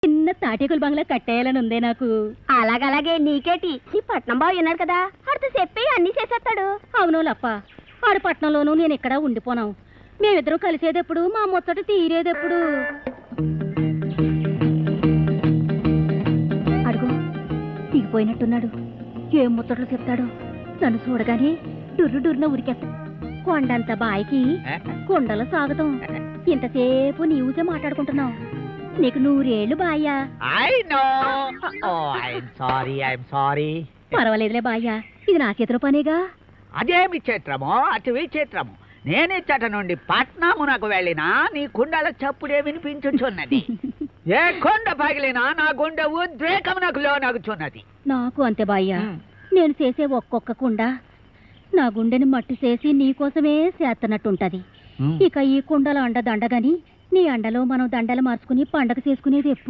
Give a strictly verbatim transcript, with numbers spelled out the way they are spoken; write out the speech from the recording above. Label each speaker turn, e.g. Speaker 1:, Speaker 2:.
Speaker 1: చిన్న తాటేకుల బంగ్లా కట్టేయాలని ఉందే నాకు.
Speaker 2: అలాగలాగే నీకేటి ఈ పట్నం బాబు ఉన్నాడు కదా అడితో చెప్పి అన్ని చేసేస్తాడు.
Speaker 1: అవును లప్ప, ఆడు పట్నంలోనూ నేను ఇక్కడ ఉండిపోనాం. మేమిద్దరం కలిసేదెప్పుడు, మా ముచ్చట తీరేదెప్పుడు? అడుగు దిగిపోయినట్టున్నాడు. ఏం ముచ్చట్లు చెప్తాడు? నన్ను చూడగానే డుర్రు డుర్రున ఉరికేస్తా. కొండంత బాయికి కొండల సాగుతాం. ఇంతసేపు నీవుసే మాట్లాడుకుంటున్నావు. నీకు నూరేళ్ళు బాయ్యా. పర్వాలేదులే బాయ్యా, ఇది నా చేతిలో పనేగా.
Speaker 3: అదేమి చిత్రమో అటు విచిత్రము. నేనే చట నుండి పట్నమునకు వెళ్ళినా నీ కుండల చప్పుడే వినిపించుచున్నది. ఏ కొండ పగిలినా నా గుండె ఉద్రేకమునకు లోనగుచున్నది.
Speaker 1: నాకు అంతే బాయ్యా. నేను చేసే ఒక్కొక్క కుండ నా గుండెని మట్టి చేసి నీకోసమే చేస్తున్నట్టుంటది. ఇక ఈ కుండల అండ దండగని నీ అండలో మనం దండలు మార్చుకుని పండగ చేసుకునేది ఎప్పుడు?